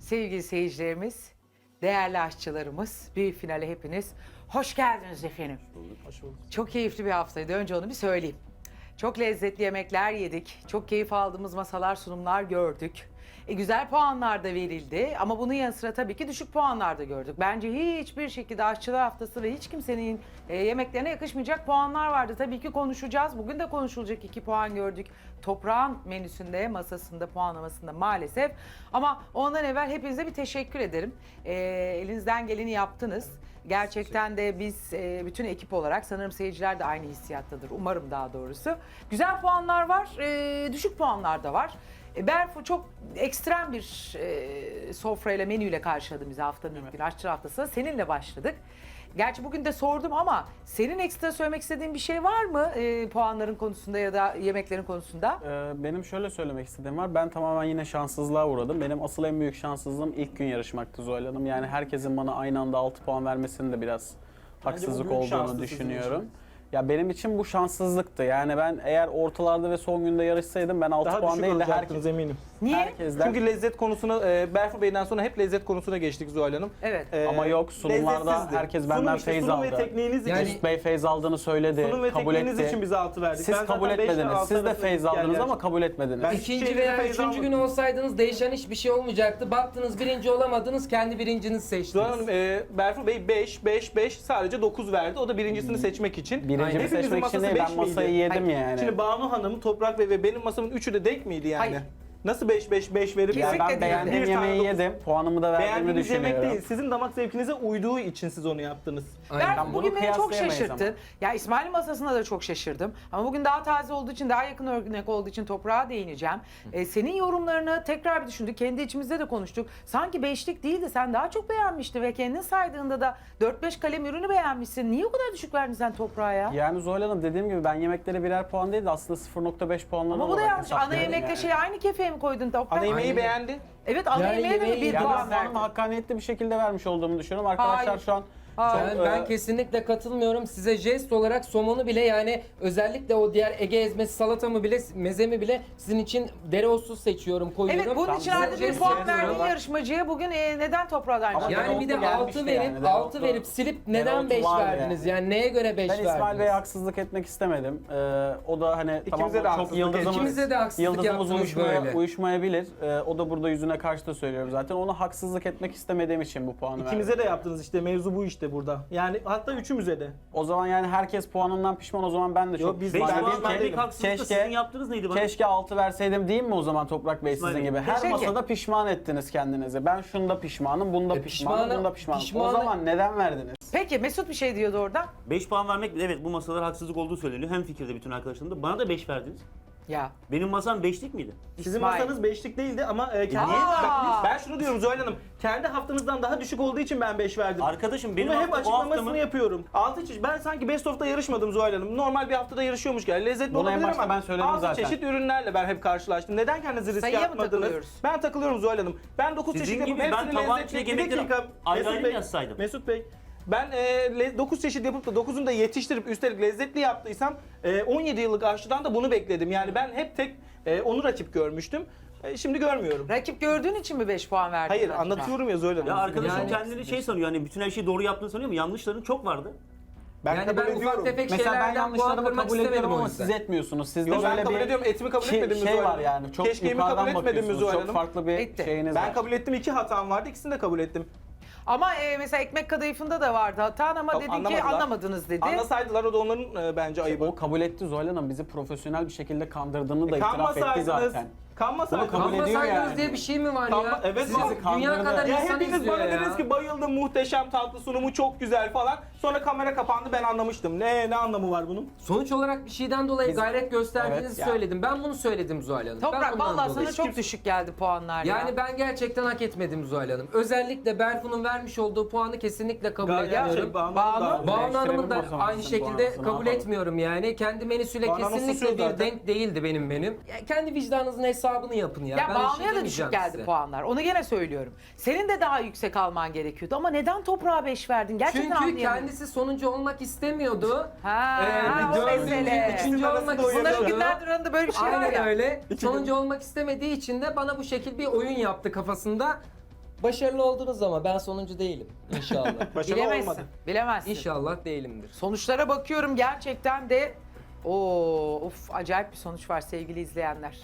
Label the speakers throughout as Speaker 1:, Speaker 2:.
Speaker 1: Sevgili seyircilerimiz, değerli aşçılarımız, büyük finale hepiniz hoş geldiniz efendim.
Speaker 2: Hoş bulduk.
Speaker 1: Çok keyifli bir haftaydı. Önce onu bir söyleyeyim. Çok lezzetli yemekler yedik. Çok keyif aldığımız masalar, sunumlar gördük. Güzel puanlar da verildi ama bunun yanı sıra tabii ki düşük puanlar da gördük. Bence hiçbir şekilde aşçılar haftası ve hiç kimsenin yemeklerine yakışmayacak puanlar vardı. Tabii ki konuşacağız. Bugün de konuşulacak 2 puan gördük. Toprağın menüsünde, masasında, puanlamasında maalesef. Ama ondan evvel hepinize bir teşekkür ederim. Elinizden geleni yaptınız. Gerçekten de biz bütün ekip olarak, sanırım seyirciler de aynı hissiyattadır. Umarım daha doğrusu. Güzel puanlar var, düşük puanlar da var. Berfu çok ekstrem bir sofrayla, menüyle karşıladı bizi haftanın ilk günü. Aşçı haftasına seninle başladık. Gerçi bugün de sordum ama senin ekstra söylemek istediğin bir şey var mı puanların konusunda ya da yemeklerin konusunda?
Speaker 2: Benim şöyle söylemek istediğim var. Ben tamamen yine şanssızlığa uğradım. Benim asıl en büyük şanssızlığım ilk gün yarışmaktı Zuhal Hanım. Yani herkesin bana aynı anda 6 puan vermesinin de biraz haksızlık olduğunu düşünüyorum. Ya benim için bu şanssızlıktı. Yani ben eğer ortalarda ve son günde yarışsaydım ben 6
Speaker 3: Daha
Speaker 2: puan
Speaker 3: düşük
Speaker 2: değil de
Speaker 3: olacaktınız eminim.
Speaker 1: Niye?
Speaker 2: herkesten.
Speaker 3: Çünkü lezzet konusuna, Berfu Bey'den sonra hep lezzet konusuna geçtik Zuhal Hanım.
Speaker 1: Evet.
Speaker 2: Ama yok, sunumlarda
Speaker 3: lezzetsizdi.
Speaker 2: herkes benden feyz aldı.
Speaker 3: Sunum ve tekniğiniz
Speaker 4: Yani-
Speaker 3: için,
Speaker 2: Mesut Bey feyz aldığını söyledi,
Speaker 3: sunum ve
Speaker 2: kabul
Speaker 3: tekniğiniz
Speaker 2: etti.
Speaker 3: için bize 6 verdik.
Speaker 2: Siz
Speaker 3: Ben
Speaker 2: kabul
Speaker 3: zaten beş ve
Speaker 2: etmediniz.
Speaker 3: altı
Speaker 2: Siz de
Speaker 3: arasında
Speaker 2: feyz
Speaker 3: gittik
Speaker 2: aldınız
Speaker 3: yerler.
Speaker 2: ama kabul etmediniz.
Speaker 3: Ben-
Speaker 4: İkinci
Speaker 3: Hiçbir
Speaker 4: veya
Speaker 3: şeyden feyz
Speaker 4: üçüncü
Speaker 3: almadım.
Speaker 4: gün olsaydınız değişen hiçbir şey olmayacaktı. Baktınız birinci olamadınız, kendi birincinizi seçtiniz.
Speaker 3: Zuhal Hanım, Berfu Bey 5 sadece 9 verdi. O da birincisini seçmek için.
Speaker 2: Birincimi
Speaker 3: Hepimizin
Speaker 2: seçmek için
Speaker 3: masası
Speaker 2: değil, ben
Speaker 3: 5 miydi?
Speaker 2: masayı yedim yani.
Speaker 3: Şimdi Banu Hanım, Toprak Bey ve benim masamın üçü de denk miydi yani?
Speaker 1: Hayır.
Speaker 3: Nasıl 5 verip
Speaker 1: Kesinlikle
Speaker 2: Yani
Speaker 1: değil.
Speaker 2: ben beğendiğim
Speaker 3: Bir tane
Speaker 2: yemeği
Speaker 3: dokuz.
Speaker 2: yedim. Puanımı da verdiğimi
Speaker 3: Beğendiğiniz yemek
Speaker 2: düşünüyorum.
Speaker 3: değil, sizin damak zevkinize uyduğu için siz onu yaptınız.
Speaker 4: Aynen.
Speaker 1: Berfu
Speaker 2: Ben bunu
Speaker 1: bugün beni çok
Speaker 2: kıyaslayamayız
Speaker 1: şaşırttın.
Speaker 2: ama.
Speaker 1: Ya İsmail'in masasına da çok şaşırdım. Ama bugün daha taze olduğu için, daha yakın örnek olduğu için toprağa değineceğim. Senin yorumlarını tekrar bir düşündük. Kendi içimizde de konuştuk. Sanki beşlik değildi. Sen daha çok beğenmiştin ve kendin saydığında da 4-5 kalem ürünü beğenmişsin. Niye o kadar düşük verdin sen toprağa ya?
Speaker 2: Yani Zuhal Hanım, dediğim gibi ben yemeklere birer puan değil de aslında 0.5 puanlarına
Speaker 1: Ama bu da
Speaker 2: olarak
Speaker 1: yanlış. Ana
Speaker 2: hesaplıyorum
Speaker 1: yemekle
Speaker 2: yani.
Speaker 1: şey aynı kefeye mi koydun toprak?
Speaker 3: Ana yemeği
Speaker 4: Aynen.
Speaker 3: beğendi.
Speaker 1: Evet, ana
Speaker 4: Yani
Speaker 1: yemeğe de mi
Speaker 4: yemeği-
Speaker 1: bir
Speaker 2: Ya
Speaker 1: puan
Speaker 2: ben puanımı
Speaker 1: verdin?
Speaker 2: hakkaniyetli bir şekilde vermiş olduğumu düşünüyorum. Arkadaşlar
Speaker 1: Hayır.
Speaker 2: şu an
Speaker 4: Ben kesinlikle katılmıyorum. Size jest olarak somonu bile, yani özellikle o diğer Ege ezmesi, salatamı bile, mezemi bile sizin için dereotsuz seçiyorum, koyuyorum.
Speaker 1: Evet, bunun
Speaker 2: Tam
Speaker 1: için
Speaker 2: bize
Speaker 1: artık bir
Speaker 2: jest
Speaker 1: puan
Speaker 2: yapıyorlar.
Speaker 1: verdiğin yarışmacıya bugün neden toprağa aynı
Speaker 2: Ama
Speaker 1: şey?
Speaker 4: Yani bir de
Speaker 2: Dereotlu
Speaker 4: 6
Speaker 2: gelmişti
Speaker 4: verip
Speaker 2: yani,
Speaker 4: 6
Speaker 2: dereotlu-
Speaker 4: verip silip neden
Speaker 2: dereotu
Speaker 4: 5
Speaker 2: vardı
Speaker 4: verdiniz?
Speaker 2: yani.
Speaker 4: Yani neye göre 5
Speaker 2: ben
Speaker 4: verdiniz?
Speaker 2: İsmail Bey'e haksızlık etmek istemedim. O da hani tamam
Speaker 3: de
Speaker 2: çok
Speaker 3: haksızlık
Speaker 2: yıldızımız,
Speaker 4: İkimize de haksızlık
Speaker 2: yıldızımız
Speaker 4: yaptınız böyle.
Speaker 2: uyuşmayabilir. O da burada yüzüne karşı da söylüyorum zaten. Ona haksızlık etmek istemediğim için bu puanı verdim.
Speaker 3: İkimize de yaptınız işte, mevzu bu işte burada. Yani hatta üçümüze de.
Speaker 2: O zaman yani herkes puanından pişman, o zaman ben de çok
Speaker 3: biz-
Speaker 2: pişman
Speaker 3: ben
Speaker 2: değilim
Speaker 3: pişman
Speaker 2: ki.
Speaker 3: değilim.
Speaker 5: Sizin yaptığınız neydi bana?
Speaker 2: Keşke 6 verseydim diyeyim mi o zaman Toprak Bey sizin
Speaker 5: İsmail Bey.
Speaker 2: gibi? Her
Speaker 1: Keşke.
Speaker 2: masada pişman ettiniz kendinizi. Ben şunda pişmanım, bunda pişmanım,
Speaker 4: pişmanı-
Speaker 2: bunda pişmanım. O
Speaker 4: pişmanı-
Speaker 2: zaman neden verdiniz?
Speaker 1: Peki Mesut bir şey diyordu orada.
Speaker 5: 5 puan vermek, evet bu masalar haksızlık olduğu söyleniyor. Hem fikirde bütün arkadaşlarım da. Bana da 5 verdiniz.
Speaker 1: Ya.
Speaker 5: Benim masam 5'lik miydi?
Speaker 3: Sizin
Speaker 1: İsmail.
Speaker 3: masanız 5'lik değildi ama kendi...
Speaker 1: Niye?
Speaker 3: Bak, ben şunu diyorum Zuhal Hanım, kendi haftanızdan daha düşük olduğu için ben 5 verdim.
Speaker 5: Arkadaşım benim
Speaker 3: Bunu hep
Speaker 5: hafta, o
Speaker 3: açıklamasını
Speaker 5: haftamı...
Speaker 3: yapıyorum. Altı çeşit. Ben sanki Best of'ta yarışmadım Zuhal Hanım. Normal bir haftada yarışıyormuş gibi. Lezzetli
Speaker 2: Bunu en
Speaker 3: olabilir
Speaker 2: başta
Speaker 3: ama
Speaker 2: ben söyledim
Speaker 3: 6
Speaker 2: zaten.
Speaker 3: çeşit ürünlerle ben hep karşılaştım. Neden kendinizi riske
Speaker 1: Sayıya mı
Speaker 3: atmadınız?
Speaker 1: takılıyoruz?
Speaker 3: Ben takılıyorum Zuhal Hanım. Ben 9
Speaker 5: Sizin
Speaker 3: çeşit yapıp
Speaker 5: gibi ben
Speaker 3: hepsini
Speaker 5: tabağın
Speaker 3: lezzetli...
Speaker 5: içine
Speaker 3: Bir
Speaker 5: yemekleri
Speaker 3: dakika.
Speaker 5: ayrı
Speaker 3: Mesut
Speaker 5: ayrı
Speaker 3: Bey,
Speaker 5: yazsaydım.
Speaker 3: Mesut Bey. Ben 9 çeşit yapıp da 9'unu da yetiştirip üstelik lezzetli yaptıysam 17 yıllık aşçıdan da bunu bekledim. Yani ben hep tek onu rakip görmüştüm. Şimdi görmüyorum.
Speaker 1: Rakip gördüğün için mi 5 puan verdin?
Speaker 3: Hayır,
Speaker 1: acaba?
Speaker 3: anlatıyorum ya Zuhal Hanım.
Speaker 5: Ya arkadaşım
Speaker 4: Yani-
Speaker 5: kendini şey sanıyor, hani bütün her şeyi doğru yaptığını sanıyor ama yanlışların çok vardı.
Speaker 4: Yani
Speaker 3: kabul
Speaker 4: ben
Speaker 3: ediyorum.
Speaker 4: ufak tefek
Speaker 2: Mesela ben
Speaker 4: şeylerden puan
Speaker 2: yanlışlarımı
Speaker 4: kırmak
Speaker 2: kabul ediyorum
Speaker 4: istemedim o
Speaker 2: ama
Speaker 4: yüzden.
Speaker 2: siz etmiyorsunuz. Sizde
Speaker 3: Yo, ben
Speaker 2: böyle
Speaker 3: kabul
Speaker 2: bir
Speaker 3: ediyorum. Etimi kabul etmedim mi
Speaker 2: şey
Speaker 3: Zuhal
Speaker 2: var
Speaker 3: Hanım?
Speaker 2: yani. Çok
Speaker 3: Keşkeğimi
Speaker 2: yukarıdan
Speaker 3: kabul etmedim mi
Speaker 2: bakıyorsunuz.
Speaker 3: Zuhal
Speaker 2: Çok
Speaker 3: Hanım?
Speaker 2: farklı bir
Speaker 1: Etti.
Speaker 2: şeyiniz var.
Speaker 3: Ben kabul ettim, 2 hatam vardı. İkisini de kabul ettim.
Speaker 1: Ama mesela ekmek kadayıfında da vardı hatan ama dedin ki
Speaker 3: Anlamadılar.
Speaker 1: anlamadınız dedi.
Speaker 3: Anlasaydılar o da onların bence ayıbı.
Speaker 2: O kabul etti Zuhal Hanım. Bizi profesyonel bir şekilde kandırdığını da itiraf etti
Speaker 3: Kanmasaydınız.
Speaker 2: zaten.
Speaker 3: Kanmasaydınız.
Speaker 2: Bunu kabul ediyor
Speaker 4: Kanmasaydınız
Speaker 2: yani.
Speaker 4: diye bir şey mi var ya?
Speaker 3: Evet,
Speaker 4: Sizi
Speaker 3: var.
Speaker 4: dünya
Speaker 2: Kandırdı.
Speaker 4: kadar
Speaker 3: Ya
Speaker 4: insan
Speaker 3: hepiniz
Speaker 4: izliyor
Speaker 3: bana
Speaker 4: ya.
Speaker 3: dediniz ki bayıldım, muhteşem, tatlı sunumu çok güzel falan. Sonra kamera kapandı, ben anlamıştım. Ne anlamı var bunun?
Speaker 4: Sonuç olarak bir şeyden dolayı
Speaker 2: Biz-
Speaker 4: gayret gösterdiğinizi
Speaker 2: Evet, ya.
Speaker 4: söyledim. Ben bunu söyledim Zuhal Hanım. Ben
Speaker 1: Toprak
Speaker 4: bundan
Speaker 1: vallahi
Speaker 4: dolayı.
Speaker 1: sana çok düşük geldi puanlar ya.
Speaker 4: Yani ben gerçekten hak etmedim Zuhal Hanım. Özellikle Berfu'nun vermiş olduğu puanı kesinlikle kabul ediyorum.
Speaker 3: Banu.
Speaker 4: Banu Hanım'ın da
Speaker 2: Değiştirelim o zaman
Speaker 4: aynı
Speaker 2: sizin
Speaker 4: şekilde
Speaker 2: puanınızı, ne
Speaker 4: kabul
Speaker 2: yapalım?
Speaker 4: etmiyorum yani. Kendi menüsüyle
Speaker 3: Banu Hanım
Speaker 4: kesinlikle
Speaker 3: susuyor
Speaker 4: bir
Speaker 3: zaten.
Speaker 4: denk değildi benim menüm. Ya kendi vicdanınızın hesabını yapın ya.
Speaker 1: Ya
Speaker 4: Ben bir şey
Speaker 1: Banu'ya da
Speaker 4: demeyeceğim
Speaker 1: düşük geldi
Speaker 4: size.
Speaker 1: puanlar. Onu gene söylüyorum. Senin de daha yüksek alman gerekiyordu ama neden toprağa 5 verdin? Gerçekten
Speaker 4: Çünkü
Speaker 1: anlayamıyorum.
Speaker 4: kendisi sonuncu olmak istemiyordu.
Speaker 1: Ha,
Speaker 4: Bir
Speaker 1: o
Speaker 4: dördüncü,
Speaker 1: mesele.
Speaker 4: üçüncü olmak
Speaker 3: Bunların
Speaker 1: Bunların
Speaker 4: istiyordu.
Speaker 1: günlerdir arasında böyle bir şey var
Speaker 4: Aynen
Speaker 1: ya.
Speaker 4: öyle. Sonuncu olmak istemediği için de bana bu şekil bir oyun yaptı kafasında. Başarılı oldunuz ama ben sonuncu değilim inşallah.
Speaker 3: Başarılı
Speaker 1: Bilemezsin.
Speaker 3: olmadı.
Speaker 1: Bilemezsin.
Speaker 4: İnşallah değilimdir.
Speaker 1: Sonuçlara bakıyorum gerçekten de acayip bir sonuç var sevgili izleyenler.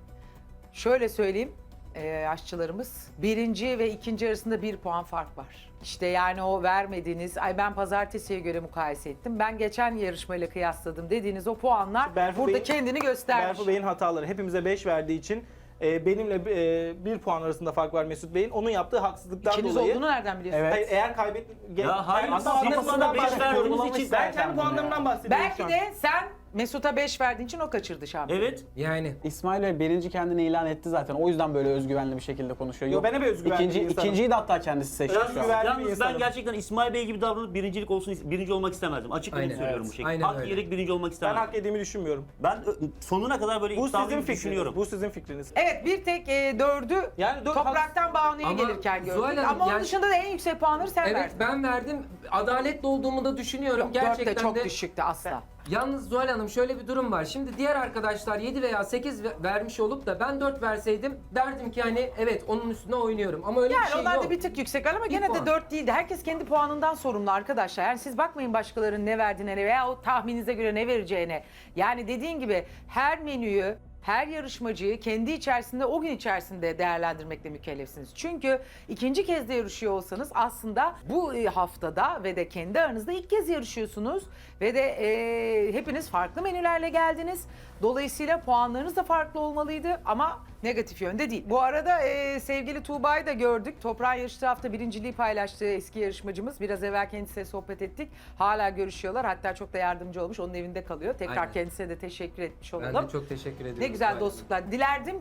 Speaker 1: Şöyle söyleyeyim aşçılarımız birinci ve ikinci arasında 1 puan fark var. İşte yani o vermediğiniz ay ben pazartesiye göre mukayese ettim. Ben geçen yarışmayla kıyasladım dediğiniz o puanlar
Speaker 3: Berfu
Speaker 1: burada
Speaker 3: Bey'in-
Speaker 1: kendini göstermiş.
Speaker 3: Berfu Bey'in hataları hepimize 5 verdiği için benimle 1 puan arasında fark var Mesut Bey'in. Onun yaptığı haksızlıktan
Speaker 1: İkiniz
Speaker 3: olduğu
Speaker 1: olduğunu nereden biliyorsunuz?
Speaker 2: Evet.
Speaker 3: Hayır, eğer
Speaker 5: Ya hayır,
Speaker 3: kendi
Speaker 5: siz
Speaker 3: puanlarımdan
Speaker 5: bana beş
Speaker 3: bahsediyorum.
Speaker 5: verdiğiniz için-
Speaker 3: Ben kendi puanlarımdan bahsediyorum şu
Speaker 1: Belki
Speaker 3: an.
Speaker 1: de sen Mesut'a 5 verdiğin için o kaçırdı şampiyon.
Speaker 5: Evet.
Speaker 4: Yani
Speaker 2: İsmail Bey birinci kendini ilan etti zaten. O yüzden böyle özgüvenli bir şekilde konuşuyor.
Speaker 3: Yo, ben hep özgüvenli bir insanım.
Speaker 2: İkinciyi de hatta kendisi seçti şu an.
Speaker 3: Özgüven- bir
Speaker 5: Yalnız ben
Speaker 3: insanım.
Speaker 5: gerçekten İsmail Bey gibi davranıp birinci olmak istemezdim. Açık net
Speaker 4: Aynen.
Speaker 5: söylüyorum
Speaker 4: Evet.
Speaker 5: bu şekilde.
Speaker 4: Aynen
Speaker 5: Hak
Speaker 4: öyle.
Speaker 5: yiyerek birinci olmak
Speaker 3: Ben
Speaker 5: istemezdim.
Speaker 3: hak ettiğimi düşünmüyorum.
Speaker 5: Ben sonuna kadar böyle
Speaker 3: Bu sizin
Speaker 5: iddialıyım
Speaker 3: fikriniz.
Speaker 5: düşünüyorum.
Speaker 3: Bu sizin fikriniz.
Speaker 1: Evet bir tek 4'ü
Speaker 3: Yani
Speaker 1: topraktan Banu'ya
Speaker 4: Ama
Speaker 1: gelirken gördük.
Speaker 4: Zuhal Hanım,
Speaker 1: Ama onun
Speaker 4: yani-
Speaker 1: dışında da en yüksek puanları sen
Speaker 4: evet
Speaker 1: verdin.
Speaker 4: ben verdim. Adaletli olduğumu da düşünüyorum.
Speaker 1: Yok, 4
Speaker 4: Gerçekten
Speaker 1: de çok
Speaker 4: de.
Speaker 1: düşüktü asla.
Speaker 4: Yalnız Zuhal Hanım şöyle bir durum var. Şimdi diğer arkadaşlar 7 veya 8 vermiş olup da ben 4 verseydim derdim ki hani evet onun üstüne oynuyorum. Ama öyle
Speaker 1: Yani
Speaker 4: bir şey
Speaker 1: onlar
Speaker 4: yok.
Speaker 1: da bir tık yüksek ama gene de
Speaker 4: puan.
Speaker 1: 4 değildi. Herkes kendi puanından sorumlu arkadaşlar. Yani siz bakmayın başkalarının ne verdiğine veya o tahmininize göre ne vereceğine. Yani dediğin gibi her menüyü, her yarışmacıyı kendi içerisinde o gün içerisinde değerlendirmekle mükellefsiniz. Çünkü ikinci kez de yarışıyor olsanız aslında bu haftada ve de kendi aranızda ilk kez yarışıyorsunuz. Ve de hepiniz farklı menülerle geldiniz. Dolayısıyla puanlarınız da farklı olmalıydı ama negatif yönde değil. Bu arada sevgili Tuğba'yı da gördük. Toprağın yarıştığı hafta birinciliği paylaştığı eski yarışmacımız. Biraz evvel kendisiyle sohbet ettik. Hala görüşüyorlar. Hatta çok da yardımcı olmuş. Onun evinde kalıyor. Tekrar
Speaker 4: Aynen.
Speaker 1: kendisine de teşekkür etmiş
Speaker 4: Ben
Speaker 1: olalım.
Speaker 4: de çok teşekkür ediyorum.
Speaker 1: Ne güzel
Speaker 4: Zuhal Hanım.
Speaker 1: dostluklar. Dilerdim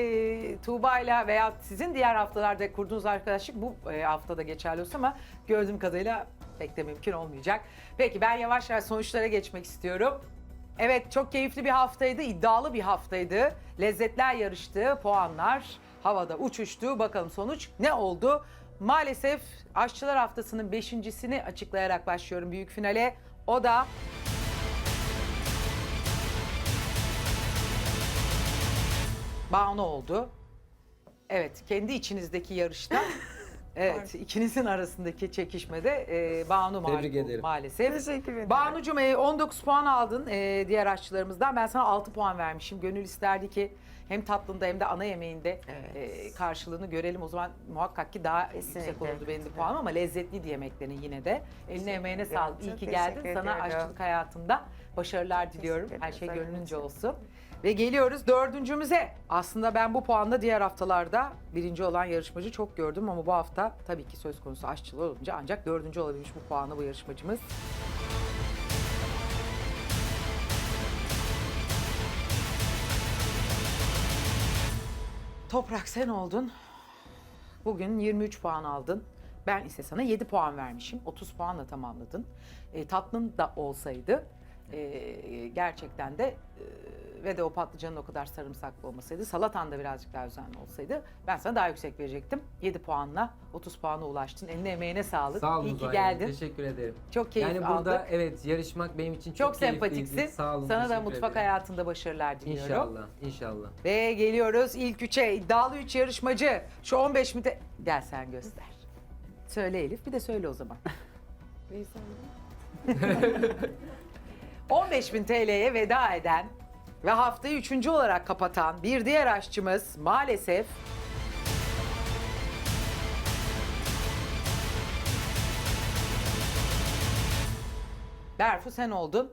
Speaker 1: ki Tuğba'yla veya sizin diğer haftalarda kurduğunuz arkadaşlık bu haftada geçerli olsun ama gördüğüm kadarıyla pek de mümkün olmayacak. Peki ben yavaş yavaş sonuçlara geçmek istiyorum. Evet çok keyifli bir haftaydı, iddialı bir haftaydı. Lezzetler yarıştı, puanlar havada uçuştu. Bakalım sonuç ne oldu? Maalesef Aşçılar Haftası'nın 5.'sini açıklayarak başlıyorum büyük finale. O da Banu oldu. Evet, kendi içinizdeki yarışta evet, ikinizin arasındaki çekişmede Banu mağlup
Speaker 4: Tebrik
Speaker 1: oldu
Speaker 4: ederim.
Speaker 1: maalesef.
Speaker 6: Teşekkür ederim.
Speaker 1: Banu'cum 19 puan aldın diğer aşçılarımızdan. Ben sana 6 puan vermişim. Gönül isterdi ki hem tatlında hem de ana yemeğinde karşılığını görelim. O zaman muhakkak ki daha yüksek
Speaker 6: Kesinlikle.
Speaker 1: olurdu benim de puanım ama lezzetliydi yemeklerin yine de. Eline emeğine
Speaker 6: ederim.
Speaker 1: sağlık. İyi
Speaker 6: Çok
Speaker 1: ki geldin.
Speaker 6: teşekkür
Speaker 1: Sana
Speaker 6: ediyorum.
Speaker 1: aşçılık hayatında başarılar diliyorum.
Speaker 6: Teşekkür
Speaker 1: Her şey
Speaker 6: ederim.
Speaker 1: gönlünce olsun. Ve geliyoruz dördüncümüze. Aslında ben bu puanda diğer haftalarda birinci olan yarışmacı çok gördüm ama bu hafta tabii ki söz konusu aşçılığı olunca ancak dördüncü olabilmiş bu puanı bu yarışmacımız. Toprak sen oldun. Bugün 23 puan aldın. Ben ise sana 7 puan vermişim. 30 puanla tamamladın. Tatlın da olsaydı gerçekten de ve de o patlıcanın o kadar sarımsaklı olmasaydı, salatan da birazcık daha özenli olsaydı ben sana daha yüksek verecektim. 7 puanla 30 puana ulaştın. Eline emeğine sağlık.
Speaker 4: Sağ olun
Speaker 1: İyi ki
Speaker 4: Zuhal Hanım,
Speaker 1: geldin.
Speaker 4: Teşekkür ederim.
Speaker 1: Çok keyif
Speaker 4: Yani
Speaker 1: aldık.
Speaker 4: burada evet yarışmak benim için
Speaker 1: Çok
Speaker 4: keyifliydi.
Speaker 1: sempatiksin.
Speaker 4: Sağ olun.
Speaker 1: Sana da
Speaker 4: teşekkür
Speaker 1: mutfak
Speaker 4: ederim.
Speaker 1: hayatında başarılar diliyorum.
Speaker 4: İnşallah, inşallah.
Speaker 1: Ve geliyoruz ilk üçe. İddialı 3 yarışmacı. Şu 15 mi de... Gel sen göster. Söyle Elif, bir de söyle o zaman. 15.000 TL'ye veda eden ve haftayı 3. olarak kapatan bir diğer aşçımız maalesef... Berfu sen oldun.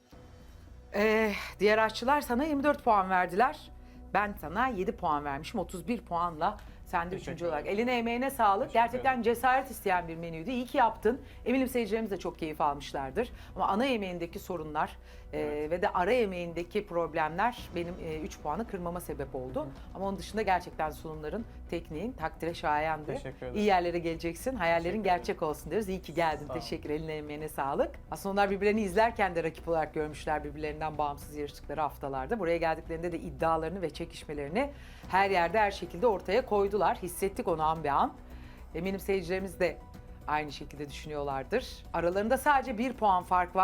Speaker 1: Diğer aşçılar sana 24 puan verdiler. Ben sana 7 puan vermişim. 31 puanla sen de 3. olarak. Eline emeğine sağlık. Gerçekten cesaret isteyen bir menüydü. İyi ki yaptın. Eminim seyircilerimiz de çok keyif almışlardır. Ama ana yemeğindeki sorunlar ve de ara yemeğindeki problemler benim 3 puanı kırmama sebep oldu. Ama onun dışında gerçekten sunumların, tekniğin takdire şayandı.
Speaker 2: Teşekkür ederim.
Speaker 1: İyi yerlere geleceksin. Hayallerin gerçek olsun diyoruz. İyi ki geldin. Teşekkür. Eline emeğine sağlık. Aslında onlar birbirlerini izlerken de rakip olarak görmüşler birbirlerinden bağımsız yarıştıkları haftalarda. Buraya geldiklerinde de iddialarını ve çekişmelerini her yerde her şekilde ortaya koydular. Hissettik onu an be an. Eminim seyircilerimiz de aynı şekilde düşünüyorlardır. Aralarında sadece 1 puan fark var.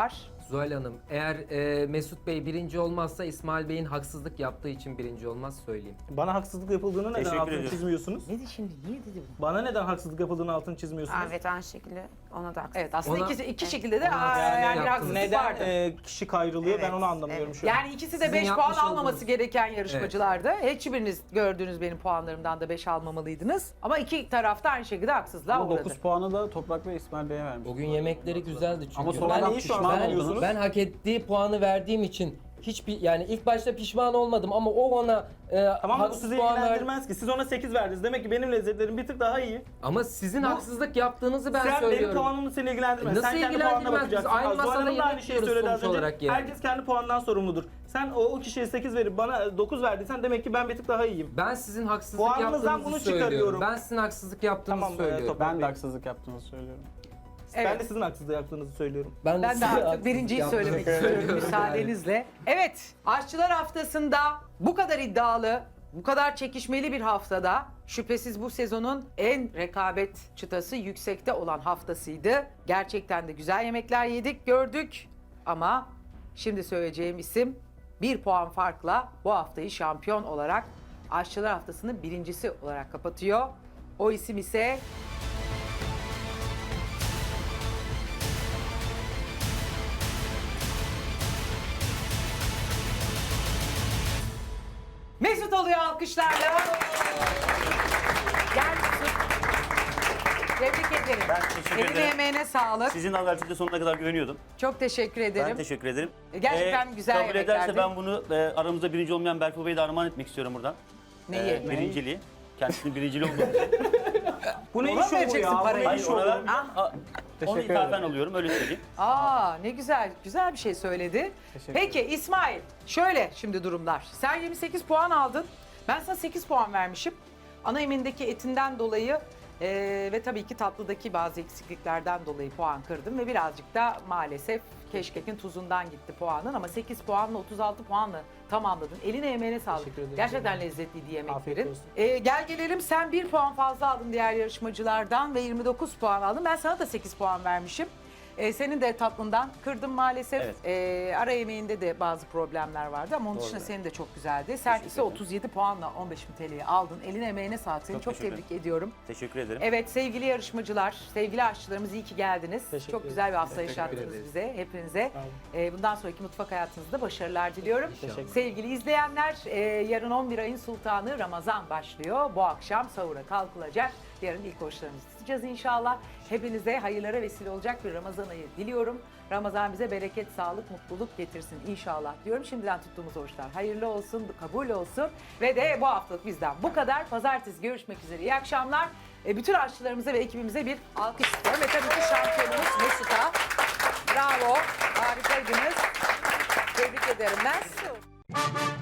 Speaker 4: Zuhal Hanım, eğer Mesut Bey birinci olmazsa İsmail Bey'in haksızlık yaptığı için birinci olmaz söyleyeyim.
Speaker 3: Bana haksızlık yapıldığını neden
Speaker 5: Teşekkür
Speaker 3: altını
Speaker 5: ediyorum.
Speaker 3: çizmiyorsunuz?
Speaker 1: Ne dedi şimdi? Niye dedi bunu?
Speaker 3: Bana neden haksızlık yapıldığını altını çizmiyorsunuz?
Speaker 6: Evet, aynı şekilde ona da haksız.
Speaker 1: Evet aslında
Speaker 4: Ona-
Speaker 1: iki şekilde de
Speaker 4: Ona
Speaker 1: yani bir
Speaker 4: yaptınız.
Speaker 1: haksızlık
Speaker 3: Neden
Speaker 1: vardı.
Speaker 3: kişi kayrılıyor ben
Speaker 1: Evet,
Speaker 3: onu anlamıyorum şu an.
Speaker 1: Yani ikisi de
Speaker 4: Sizin
Speaker 1: 5 puan
Speaker 4: yapmış
Speaker 1: almaması
Speaker 4: olduğunuz-
Speaker 1: gereken yarışmacılardı. Hiçbiriniz gördüğünüz benim puanlarımdan da 5 almamalıydınız. Ama iki tarafta aynı şekilde haksızlığa
Speaker 2: Ama
Speaker 1: uğradı.
Speaker 2: 9 puanı da Toprak ve İsmail Bey'e vermiş.
Speaker 4: Bugün yemekleri güzeldi çünkü.
Speaker 2: Ama
Speaker 3: Ben
Speaker 2: sonradan
Speaker 3: iyi şu an
Speaker 2: pişman
Speaker 3: anlıyorsunuz.
Speaker 2: oldunuz.
Speaker 4: Ben hak ettiği puanı verdiğim için hiçbir yani ilk başta pişman olmadım ama o ona
Speaker 3: Tamam bu
Speaker 4: haksız
Speaker 3: sizi
Speaker 4: puan
Speaker 3: ilgilendirmez ki. Siz ona 8 verdiniz. Demek ki benim lezzetlerim bir tık daha iyi.
Speaker 4: Ama sizin haksızlık yaptığınızı ben
Speaker 3: Sen benim
Speaker 4: söylüyorum.
Speaker 3: puanımı seni ilgilendirmez.
Speaker 4: Nasıl
Speaker 3: Sen kendi puanına
Speaker 4: ilgilendirmez? Biz
Speaker 3: bakacaksın.
Speaker 4: aynı
Speaker 3: Zuhal
Speaker 4: masada
Speaker 3: Hanım da aynı
Speaker 4: yemek
Speaker 3: şeyi
Speaker 4: yiyoruz
Speaker 3: söyledi az
Speaker 4: sonuç
Speaker 3: önce.
Speaker 4: olarak yani.
Speaker 3: Herkes kendi puanından sorumludur. Sen o kişiye 8 verip bana 9 verdiysen demek ki ben bir tık daha iyiyim.
Speaker 4: Ben sizin haksızlık
Speaker 3: Puanınızdan
Speaker 4: yaptığınızı
Speaker 3: bunu
Speaker 4: söylüyorum.
Speaker 3: çıkarıyorum.
Speaker 4: Ben sizin haksızlık yaptığınızı
Speaker 3: Tamam,
Speaker 4: söylüyorum.
Speaker 3: Toprak
Speaker 2: Ben de
Speaker 3: Bey.
Speaker 2: haksızlık yaptığınızı söylüyorum.
Speaker 3: Ben
Speaker 1: Evet.
Speaker 3: de sizin haksızlık yaptığınızı söylüyorum.
Speaker 1: Ben de
Speaker 4: size
Speaker 1: artık
Speaker 4: haksızlık
Speaker 1: birinciyi
Speaker 4: yaptığınızı
Speaker 1: söylemek istiyorum
Speaker 4: söylüyorum
Speaker 1: müsaadenizle. Evet, Aşçılar Haftası'nda bu kadar iddialı, bu kadar çekişmeli bir haftada şüphesiz bu sezonun en rekabet çıtası yüksekte olan haftasıydı. Gerçekten de güzel yemekler yedik, gördük ama şimdi söyleyeceğim isim 1 puan farkla bu haftayı şampiyon olarak Aşçılar Haftası'nın birincisi olarak kapatıyor. O isim ise Mesut oluyor alkışlarla. Gel Mesut. Tebrik ederim.
Speaker 5: Ben teşekkür
Speaker 1: Eline
Speaker 5: ederim.
Speaker 1: emeğine sağlık.
Speaker 5: Sizin adalciliğe sonuna kadar güveniyordum.
Speaker 1: Çok teşekkür ederim.
Speaker 5: Ben teşekkür ederim.
Speaker 1: Gerçekten güzel
Speaker 5: kabul
Speaker 1: yemeklerdi.
Speaker 5: ederse ben bunu aramızda birinci olmayan Berfu Bey'e de armağan etmek istiyorum buradan.
Speaker 1: Neyi?
Speaker 5: Birinciliği. Kendisinin birinciliği olmadı.
Speaker 3: Bu ne
Speaker 1: Ona
Speaker 3: iş
Speaker 1: mı
Speaker 3: şovu
Speaker 1: vereceksin
Speaker 3: ya? Bu
Speaker 1: parayı?
Speaker 3: ne
Speaker 5: Hayır
Speaker 3: iş
Speaker 5: ona
Speaker 3: şovu?
Speaker 5: vermiyorum. Onu
Speaker 2: Teşekkür
Speaker 5: ithafen
Speaker 2: ederim.
Speaker 5: alıyorum öyle söyleyeyim.
Speaker 1: Aa ne güzel, güzel bir şey söyledi.
Speaker 2: Teşekkür
Speaker 1: Peki İsmail, şöyle şimdi durumlar. Sen 28 puan aldın. Ben sana 8 puan vermişim. Ana yemeğindeki etinden dolayı ve tabii ki tatlıdaki bazı eksikliklerden dolayı puan kırdım ve birazcık da maalesef keşkekin tuzundan gitti puanın ama 8 puanla 36 puanla tamamladın. Eline emeğine sağlık.
Speaker 3: Teşekkür ederim.
Speaker 1: Gerçekten lezzetliydi
Speaker 3: Afiyet
Speaker 1: yemeklerin.
Speaker 3: olsun.
Speaker 1: Gel gelelim sen 1 puan fazla aldın diğer yarışmacılardan ve 29 puan aldın. Ben sana da 8 puan vermişim. Senin de tatlından kırdım maalesef. Ara yemeğinde de bazı problemler vardı ama onun dışında senin de çok güzeldi. Sen ise 37 puanla 15.000 TL'yi aldın. Eline emeğine sağlık. Seni
Speaker 5: Çok
Speaker 1: çok
Speaker 5: teşekkür
Speaker 1: tebrik ediyorum.
Speaker 5: Teşekkür ederim.
Speaker 1: Evet sevgili yarışmacılar, sevgili aşçılarımız iyi ki geldiniz.
Speaker 3: Teşekkür
Speaker 1: Çok
Speaker 3: ederim.
Speaker 1: güzel bir hafta
Speaker 4: Teşekkür
Speaker 1: yaşattınız
Speaker 4: ederiz.
Speaker 1: bize, hepinize.
Speaker 3: Sağ olun.
Speaker 1: Bundan sonraki mutfak hayatınızda başarılar diliyorum.
Speaker 3: Teşekkür.
Speaker 1: Sevgili izleyenler, yarın 11 ayın sultanı Ramazan başlıyor. Bu akşam sahura kalkılacak. Yarın ilk oruçlarımızı tutacağız inşallah. Hepinize hayırlara vesile olacak bir Ramazan ayı diliyorum. Ramazan bize bereket, sağlık, mutluluk getirsin inşallah diyorum. Şimdiden tuttuğumuz oruçlar hayırlı olsun, kabul olsun. Ve de bu haftalık bizden bu kadar. Pazartesi görüşmek üzere. İyi akşamlar. Bütün aşçılarımıza ve ekibimize bir alkış istiyorum. Ve tabii ki şampiyonumuz Mesut'a. Bravo, harikaydınız. Tebrik ederim ben.